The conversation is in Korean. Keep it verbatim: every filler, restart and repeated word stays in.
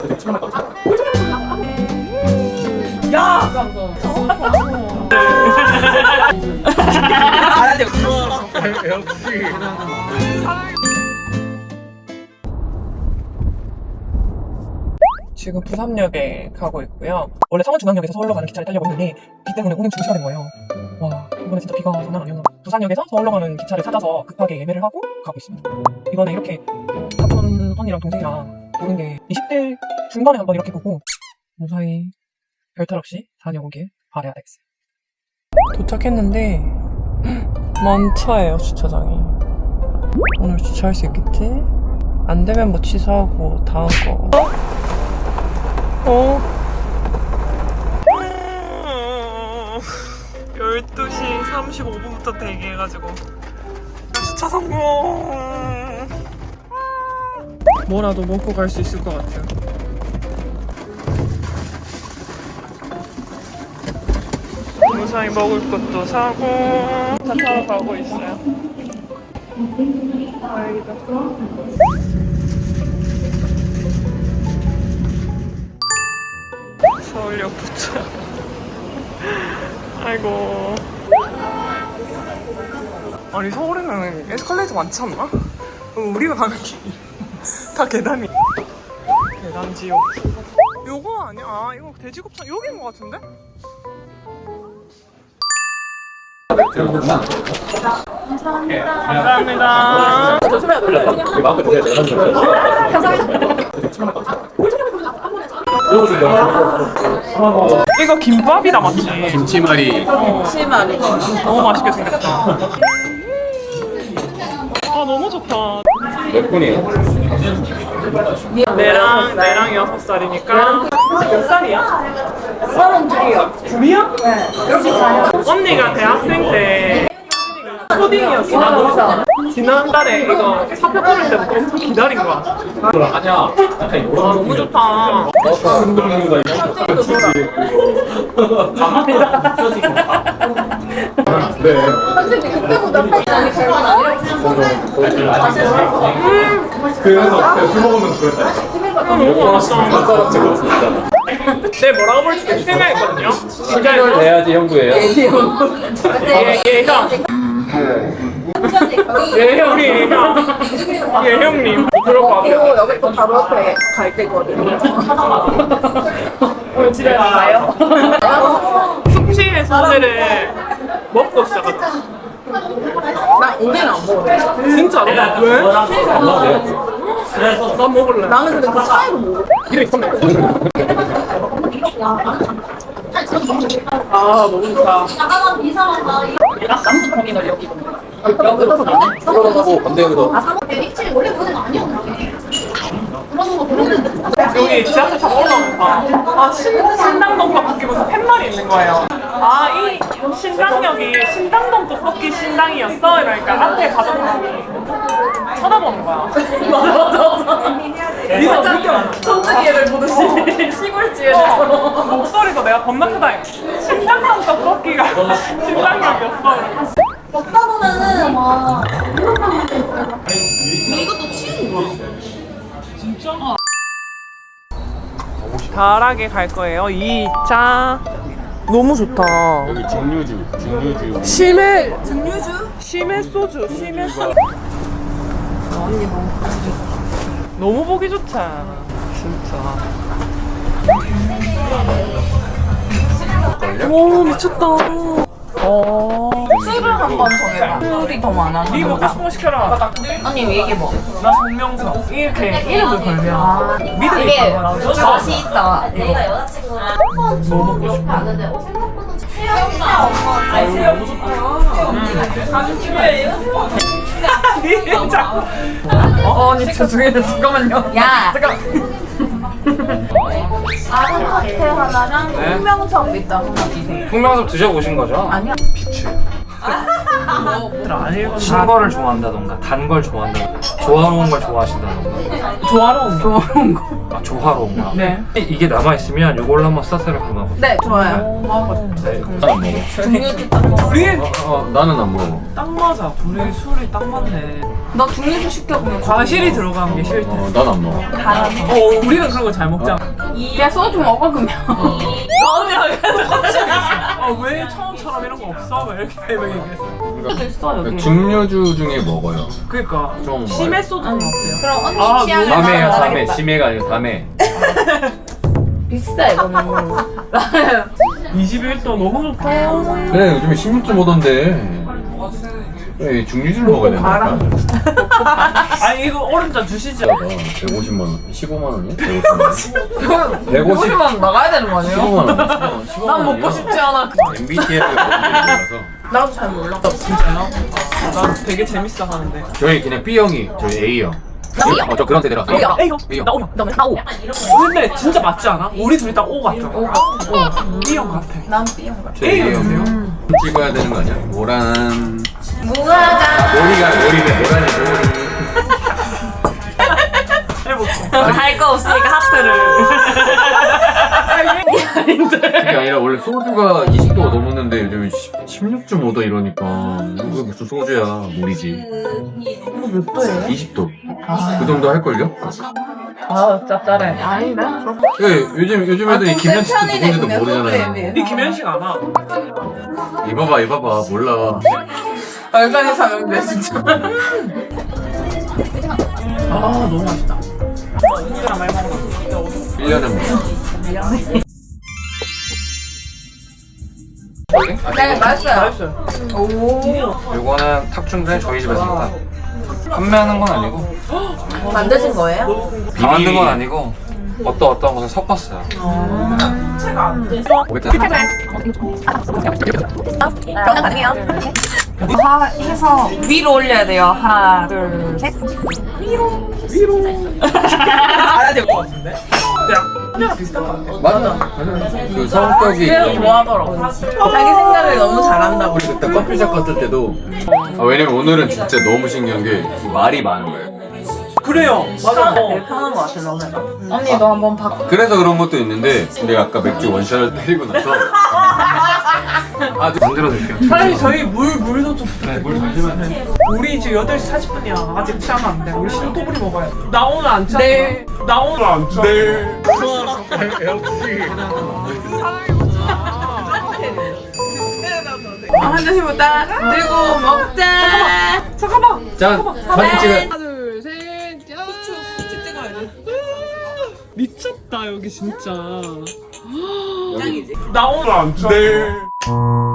야! 잘하죠. 역시. 지금 부산역에 가고 있고요. 원래 성원중앙역에서 서울로 가는 기차를 타려고 했는데 비 때문에 운행 중지가 된 거예요. 와, 이번에 진짜 비가 장난 아니었나. 부산역에서 서울로 가는 기차를 찾아서 급하게 예매를 하고 가고 있습니다. 이번에 이렇게 사촌 언니랑 동생이랑 보는 게 이십 대 중반에 한번 이렇게 보고 무사히 별탈 없이 다녀오길 바라야 되겠어요. 도착했는데 먼 차예요, 주차장이. 오늘 주차할 수 있겠지? 안 되면 뭐 취소하고 다음 거. 어? 열두 시 삼십오 분부터 대기해가지고 주차 성공! 뭐라도 먹고 갈 수 있을 것 같아요. 무사히 먹을 것도 사고 차 타러 가고 있어요. 다행이다. 서울역 도착. 아이고. 아니 서울에는 에스컬레이터 많지 않나? 우리가 가는 길이 다 계단이. 계단 지옥. 요거 아니야? 아 이거 돼지곱창 여기인 것 같은데? 감사합니다. 조심해야 돼. 마음껏 드세요. 이거 김밥이다 맞지? 김치말이. 김치말이 너무 맛있게 생겼다. 아 너무 좋다. 몇 분이에요? 내랑 내랑 여섯 살이니까 몇 살이야? 서른 둘이요. 둘이야? 네. 역시 자녀. 언니가 대학생 때 초딩이었어. 지난달에 이거 사표 뽑을 때부터 엄청 기다린 거야. 아니야. 약간 이런 아 너무 좋다. 흔들리는 네. 솔직히 그때보다 팔이 별건 아니라고 그래서 술 먹으면서 그랬다. 아 너무 맛있어. 손가락 제거 수 있잖아. 내 뭐라고 부를지 계속 생각했거든요. 진짜 이걸 내야지 형부예요. 예, 예, 형. 예, 형님. 예, 형님. 그럴 것 같아요. 여기 또 바로 옆에 갈 때거든요. 오늘 집에 가요? 숙취의 소재를 먹고 시작했다. 나 오늘 안 먹어. 진짜로? 왜? 그래서 난 먹을래. 나는 근데 그 차이로 먹어. 이래 있었네. 아 너무 좋다. 남부 터미널 여기. 여기로 가네. 들어가고 건대으로. 여기 지하철 타고 올라오면서 아 신, 신당동 떡볶이 무슨 팻말이 있는 거예요. 아 이 신당역이 신당동 떡볶이 신당이었어? 이러니까 앞에 가정분이 쳐다보는 거야. 맞아 맞아 맞아. 니가 느껴. 천주기를 보듯이 시골지에서. 목소리도 내가 겁나 크다. 신당동 떡볶이가 신당역이었어. 먹다 보면은 막 이것만 도 있어요. 이것도 치우는 거야. 진짜? 달하게 갈 거예요. 이 차 너무 좋다. 여기 증류주, 증류주. 심해 증류주? 심해 소주, 심해 소주. 언니 너무 보기 좋다. 너무 보기 좋다. 진짜. 오 미쳤다. 어. 술을 한번 정해봐. 술이 더 많아. 네 먹고 싶은 거 시켜라. 언니 얘기해 봐. 나 정명석 이렇게 이름을 걸면 아, 믿음이 이게 있다. 맛이 있다. 내가 여자친구랑 뭐 먹고 싶어? 가는데 어 생각보다 수영이랑 엄마 아니 너무 좋다. 사진 찍어야 진짜. 어 언니 죄송해요. 잠깐만요. 야. 잠깐. 아른 카페 하나랑 네. 풍명석 밑다 하나 주세요. 풍명섭 드셔보신 거죠? 아니야. 비추. 안 읽었나? 신 거를 좋아한다던가 단 걸 좋아한다던가 조화로운 걸 좋아하신다던가 조화로운 거. 좋은 거. 아 조화로운 거 네. 이- 이게 남아있으면 이걸로 한번 서스를 담아보 네, 좋아요. 네. 나는 안 먹어. 중류주 딱 먹어. 둘이 어, 어, 나는 안 먹어. 딱 맞아. 둘이 술이 딱 맞네. 너 중류주 시켜 그냥. 과실이 들어간 게 싫대. 어, 난 안 먹어. 어, 우리는 그런 거 잘 먹잖아. 야, 소주 먹어 그러면. 너는 아, 왜 처음처럼 이런 거 없어? 막 이렇게 막 얘기했어. 소주 있어 여기. 증류주 중에 먹어요. 그니까. 좀 심해 소주는 어때요? 그럼 언니 아, 취향에 너무 밤에요, 따라 밤에. 심해가 아니고 밤에. 비싸 이거는. 이십일 도 너무 좋다. 그래, 요즘에 십육 점 오던데. 그래, 증류주를 먹어야 된다니까. 아니, 이거 오른쪽 주시죠. 백오십만 원. 십오만 원이야? 백오십만 원. 백오십. 오십만 원 나가야 되는 거 아니에요? 십오만 원. 십오만 난 먹고 싶지 않아. 엠비티아이가 몰라서. 나도 잘 몰라. 진짜요? 난 되게 재밌어 하는데. 저희 그냥 B형이, 저희 A형. 나 B형. 어, 저 그런 세대라. A형. A형. A형. 나 O형. 너 나 오. 근데 진짜 맞지 않아? 우리 둘이 딱 O 같죠? 오. 어, B형 같아. 난 B형 같아. 저희 A형이세요? A형. 찍어야 되는 거 아니야? 모란. 무화과. 모리가, 모리네. 모란이 모리. 해볼게. 할 거 없으니까 하트를. 그게 아니라 원래 소주가 이십 도가 넘었는데 요즘 십육 점 오 도 이러니까 이거 무슨 소주야 물이지. 이거 몇 도예요? 이십 도. 그 정도 할걸요? 아, 짭짤해. 아니네. 예, 요즘 요즘 애들이 아, 김현식도 편이네, 누군지도 그냥 모르잖아요. 소주에 니 김현식 알아? 이봐봐 이봐봐 몰라. 얼간이 사명돼 진짜. 아, 너무 맛있다. 은근히 많이 먹었어. 일 년에 뭐. 네, 맛있어요. 맛있어요. 오. 요거는 탁준데 저희 집에서 판매하는 건 아니고 만드신 거예요? 다 만든 건 아니고 어떤 어떤 것을 섞었어요 변화 가능해요? 하 해서 위로 올려야 돼요. 하나, 둘, 셋. 알아야 될 것 같은데? 그냥 비슷한 거 같아. 맞아. 맞아. 그 성격이. 그래서 좋아하더라고. 자기 생각을 너무 잘한다고. 우리 그때 커피숍 갔을 때도. 아, 왜냐면 오늘은 진짜 너무 신기한 게 말이 많은 거예요. 그래요. 맞아. 되게 편한 거 같아 너는. 언니 너 한번 바꿔. 그래서 그런 것도 있는데 내가 아까 맥주 원샷을 때리고 나서 아주 만들어 드릴게요 사장님 저희 물 물도 좀 네, 물 잠시만요. 우리 지금 여덟 시 사십 분이야. 아직 취하면 안 돼. 우리 신토부리 먹어야 돼. 나 오늘 안 취하. 네. 나 오늘 안 취하. 네. 한 잔씩부터 들고 먹자. 잠깐만. 짠! 사진 찍어. 미쳤다 여기 진짜. 짱이지. 나 오늘 안 취하. 네.